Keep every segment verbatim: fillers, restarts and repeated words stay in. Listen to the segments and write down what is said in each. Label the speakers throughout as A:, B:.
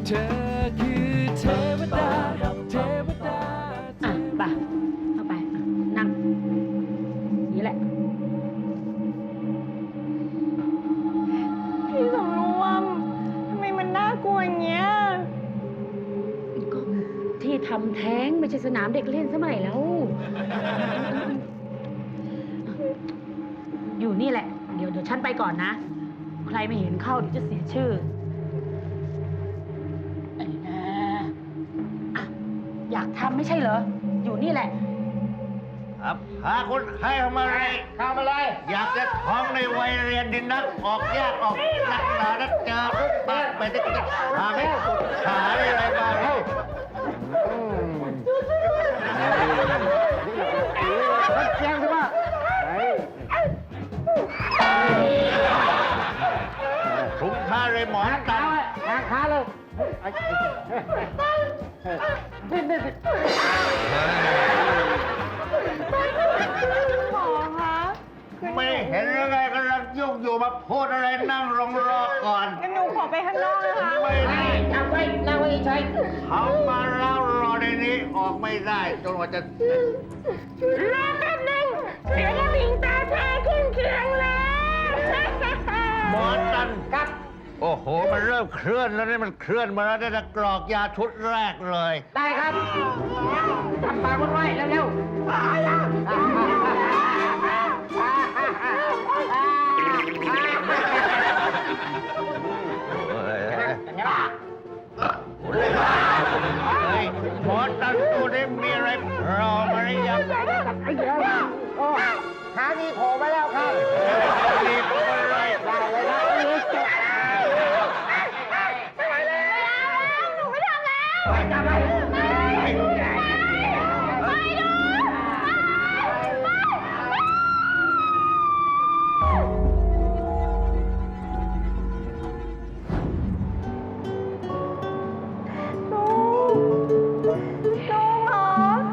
A: เธอคือเทวดาเทวดา
B: อ่ะไปเข้าไปอ่ะนั่งนี่แหละ
C: พี่สำรวมทำไมมันน่ากลัวอย่างเงี้ย
B: ก็ที่ทำแท้งไม่ใช่สนามเด็กเล่นสมัยแล้ว อยู่นี่แหละ เดี๋ยวเดี๋ยวฉันไปก่อนนะ ใครไม่เห็นเข้าเดี๋ยวจะเสียชื่อไอ้นะอ่ะอยากทำไม่ใช่เหรอ อยู่นี่แหละ
D: ครับพาคนไข้เข้ามาเลยเข้ามาเลย อยากจะท้องในวัยเรียนดินนัก ออกยากออกหนักหนานักเจอทุกบ้านไปที่จะพาไม่หาอะไรมาเฮ้ยเสียงใช่ไหมถุงผ้าเลยหมอนกันทางขาเลยนี่นี่
C: หมอคะ
D: ไม่เห็นยังไงกำลังยุ่งอยู่มาพูดอะไรนั่งลงรอก่อน
C: งั้นหนูขอไปข้างนอกนะคะ
D: ไม่ได้
B: นั่งไว้นั่งไว้เฉย
D: เขามาแล้วรอในนี้ออกไม่ได้จนกว่าจะ
C: รอแป๊บนึงเสียงกระดิ่งตาแท้ขึ้นเคียงแล้ว
D: หมอตันครับโอ้โหมันเริ่มเคลื่อนแล้วนี่มันเคลื่อนมาแล้วได้แต่กรอกยาชุดแรกเลย
B: ได้ครับทำปากไว้เร็วๆ
D: หมอตันตัวนี้มีอะไรรอมาหรือยังหานี่โผล่มาแล้วครับนี่โผล่มาเลยได้เลยนะ
C: ไม่ไหวแล้วหนูไม่ทำแล้ว
D: ไปจับไปไป
C: ไปดูลุงลุงเหรอ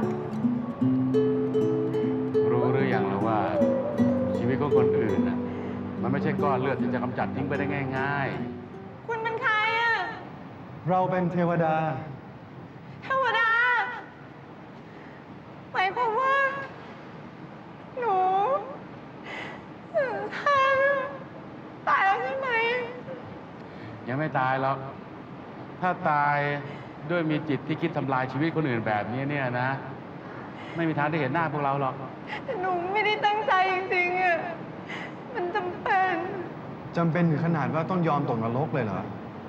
E: รู้หรือยังแล้วว่า ชีวิตของคนอื่นน่ะมันไม่ใช่ก้อนเลือดที่จะกำจัดทิ้งไปได้ง่าย
C: คุณเป็นใครอะ
F: เราเป็นเทวดา
C: เทวดาหมายความว่า หนูท่านตายแล้วใช่ไหม
E: ๆ ยังไม่ตายหรอก ถ้าตายด้วยมีจิตที่คิดทำลายชีวิตคนอื่นแบบนี้เนี่ยนะ ไม่มีทางได้เห็นหน้าพวกเราหรอก
C: หนูไม่ได้ตั้งใจจริงๆอะมันจำเป็น
F: จำเป็นถึงขนาดว่าต้องยอมตกนรกเลยเหรอ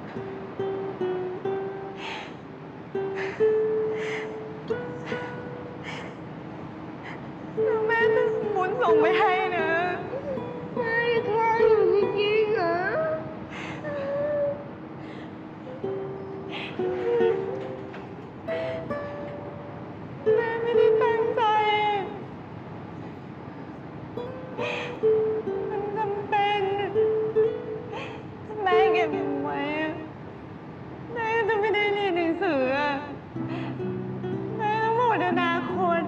C: แล้วแม่จะหมุนส่งไปให้นะไม่ใช่อยู่จริงๆเหรอแม่ไม่ได้ตั้งใจ มันจำเป็นถ้าแม่เก็บหนูไว้อะแม่ก็จะไม่ได้เรียนหนังสืออะแม่ต้องหมดอนาคต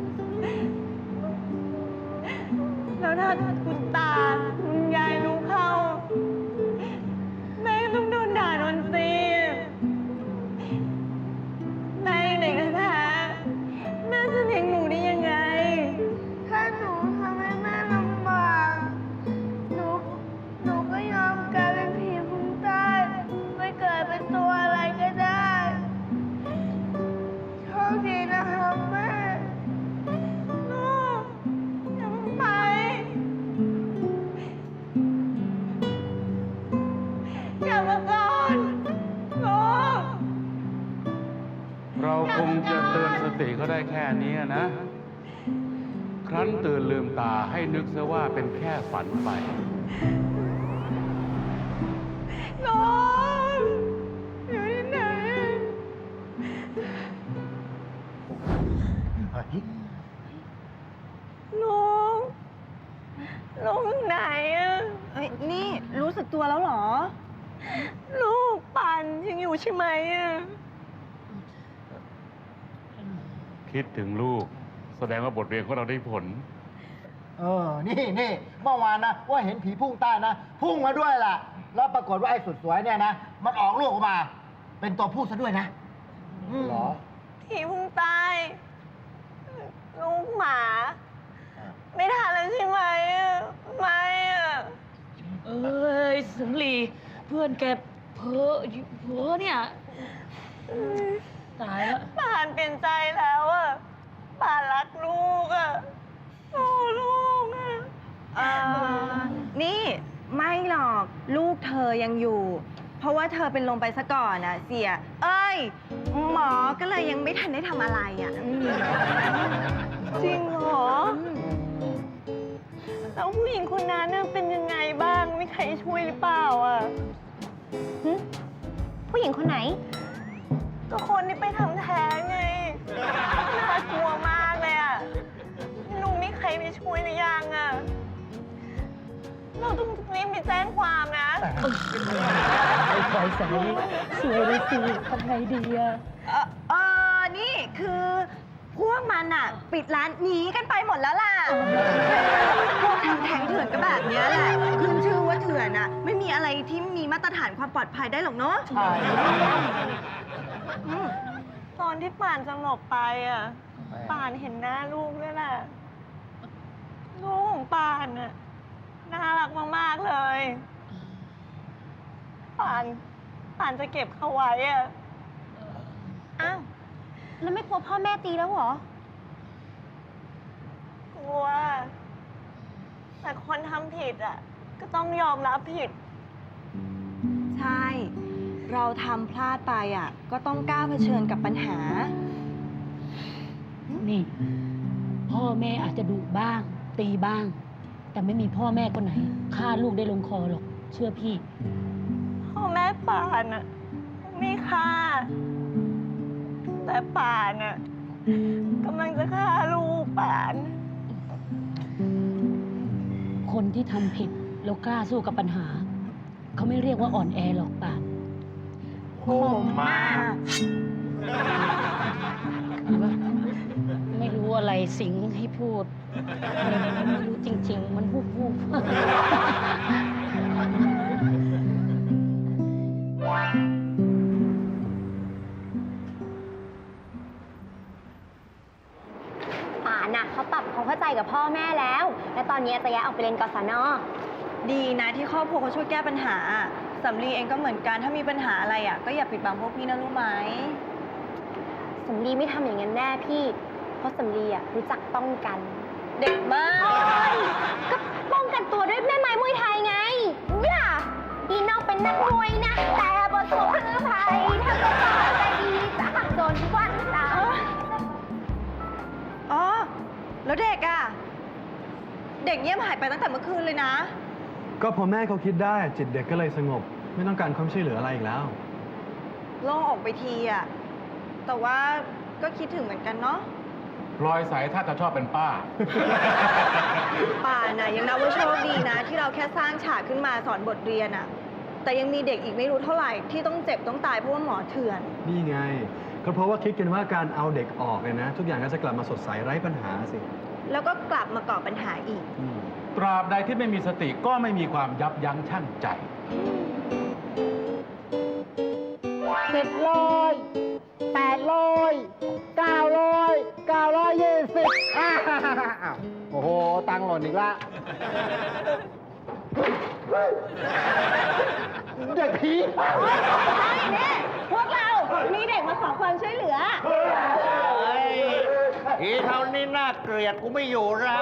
C: แล้วถ้าคุณตาคุณยายรู้เข้า แม่ก็ต้องโดนด่าโดนตีแม่ยังเด็กแท้ๆแม่จะเลี้ยงหนูได้ยังไง ถ้าหนูทำให้แม่ลำบาก หนู หนูก็ยอมกลายเป็นผีพุ่งใต้ไม่เกิดเป็นตัวอะไรก็ได้โชคดีนะครับแม่ ลูกอย่าเพิ่งไปกลับมาก่อนลูก
E: เราคงจะเตือนสติเขาได้แค่นี้นะ ครั้นตื่นลืมตาให้นึกซะว่าเป็นแค่ฝันไป
C: ลูกอยู่ที่ไหน ลุงลุงไหนอะเฮ้ยนี่รู้สึกตัวแล้วเหรอ ลูกปันยังอยู่ใช่ไหมอะ
E: คิดถึงลูก แสดงว่าบทเรียนของเราได้ผล
D: เออ นี่นี่เมื่อวานนะว่าเห็นผีพุ่งใต้นะ พุ่งมาด้วยล่ะ แล้วปรากฏว่าไอ้สุดสวยเนี่ยนะ มันออกลูกออกมาเป็นตัวผู้ซะด้วยนะหรอ
C: ที่เพุ่งตายลูกหมา ไม่ทันแล้วใช่ไหมอะไม่อะ
B: เอ้ยสังลีเพื่อนแกเพ้อเพ้อเนี่ย ตายแล้ว
C: ป่านเปลี่ยนใจแล้วอะป่านรักลูกอะโอ้ลูกอะ
G: เอ่อนี่ไม่หรอกลูกเธอยังอยู่ เพราะว่าเธอเป็นลมไปซะก่อนนะเสีย เอ้ย หมอก็เลยยังไม่ทันได้ทำอะไรอ่ะอืม
C: จริงเหรอแล้วผู้หญิงคนนั้นน่ะเป็นยังไงบ้างมีใครช่วยหรือเปล่าอะ
G: หึผู้หญิงคนไหน
C: ก็คนที่ไปทำแท้งไงน่ากลัวมากเลยอะไม่รู้มีใครไปช่วยหรือยังอะเราต้องรีบไปแจ้งความนะ
B: ไอ้ไฟใสสวยเลยสิทำไงดีอะ
G: เออเออนี่คือพวกมันอ่ะ ปิดร้านหนีกันไปหมดแล้วล่ะ พวกทำแท้งเถื่อนก็แบบเนี้ยแหละ ขึ้นชื่อว่าเถื่อนอ่ะ ไม่มีอะไรที่มีมาตรฐานความปลอดภัยได้หรอกเนาะอืม
C: ตอนที่ป่านจะหลบไปอะป่านเห็นหน้าลูกด้วยแหละลูกของป่านอะน่ารักมากๆเลยป่านป่านจะเก็บเขาไว้อะ
G: อ้าว แล้วไม่กลัวพ่อแม่ตีแล้วเหรอ
C: กลัว แต่คนทำผิดอะก็ต้องยอมรับผิด
G: ใช่ เราทำพลาดไปอ่ะ ก็ต้องกล้าเผชิญกับปัญหา
B: นี่ พ่อแม่อาจจะดุบ้าง ตีบ้าง แต่ไม่มีพ่อแม่คนไหนฆ่าลูกได้ลงคอหรอก เชื่อพี่
C: พ่อแม่ป่านอะไม่ฆ่า แต่ป่านอะกำลังจะฆ่าลูกป่าน
B: คนที่ทำผิดแล้วกล้าสู้กับปัญหา เขาไม่เรียกว่าอ่อนแอหรอกป่าน
G: โหมมาก
B: ไม่รู้อะไรสิงให้พูด ไม่รู้จริง ๆ มันพูดพูด
H: ป่านน่ะเขาปรับความเข้าใจกับพ่อแม่แล้ว และตอนนี้จะย้ายออกไปเรียนกศน.
G: ดีนะที่ครอบครัวเขาช่วยแก้ปัญหา สำลีเองก็เหมือนกัน ถ้ามีปัญหาอะไรอ่ะ ก็อย่าปิดบังพวกพี่นะรู้ไหม
H: สำลีไม่ทำอย่างนั้นแน่พี่ เพราะสำลีอ่ะรู้จักป้องกัน
G: เด็กมาก
H: ก็ป้องกันตัวด้วยแม่ไม้มวยไทยไงอย่าอีนอกเป็นนักมวยนะ แต่บทสวมคือไทยถ้าเป็นต่อใจดีจะหักโดนทุกวันตา
G: อ๋อ แล้วเด็กอ่ะ เด็กเงียบหายไปตั้งแต่เมื่อคืนเลยนะ
F: ก็พอแม่เขาคิดได้จิตเด็กก็เลยสงบ ไม่ต้องการความช่วยเหลืออะไรอีกแล้ว
G: โล่งออกไปทีอ่ะ แต่ว่าก็คิดถึงเหมือนกันเนาะ
E: พลอยใสถ้าจะชอบเป็นป้า
G: ป่าน่ะยังนับว่าโชคดีนะ ที่เราแค่สร้างฉากขึ้นมาสอนบทเรียนอ่ะ แต่ยังมีเด็กอีกไม่รู้เท่าไหร่ที่ต้องเจ็บต้องตายเพราะว่าหมอเถื่อน
F: นี่ไง ก็เพราะว่าคิดกันว่าการเอาเด็กออกเนี่ยนะ ทุกอย่างก็จะกลับมาสดใสไร้ปัญหาสิ
G: แล้วก็กลับมาก่อปัญหาอีก
F: อืม
E: ตราบใดที่ไม่มีสติก็ไม่มีความยับยั้งชั่งใจ
I: เจ็ดร้อยแปดร้อยเก้าร้อยเก้าร้อยยี่สิบอ้าวโอ้โห ตังค์หล่นอีกละเด็กผี
G: พวกเรา มีเด็กมาขอความช่วยเหลือ
D: เฮ้ยทีเท่านี้น่าเกลียดกูไม่อยู่แล้ว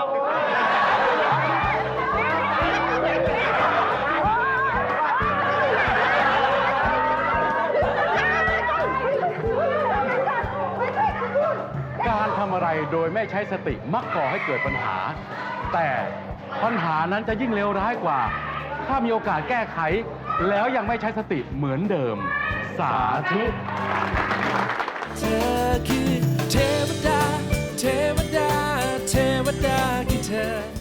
E: การทำอะไรโดยไม่ใช้สติมักก่อให้เกิดปัญหา แต่ปัญหานั้นจะยิ่งเลวร้ายกว่า ถ้ามีโอกาสแก้ไข แล้วยังไม่ใช้สติเหมือนเดิม สาธุ
A: เธอคือเทวดา เทวดา เทวดาคือเธอ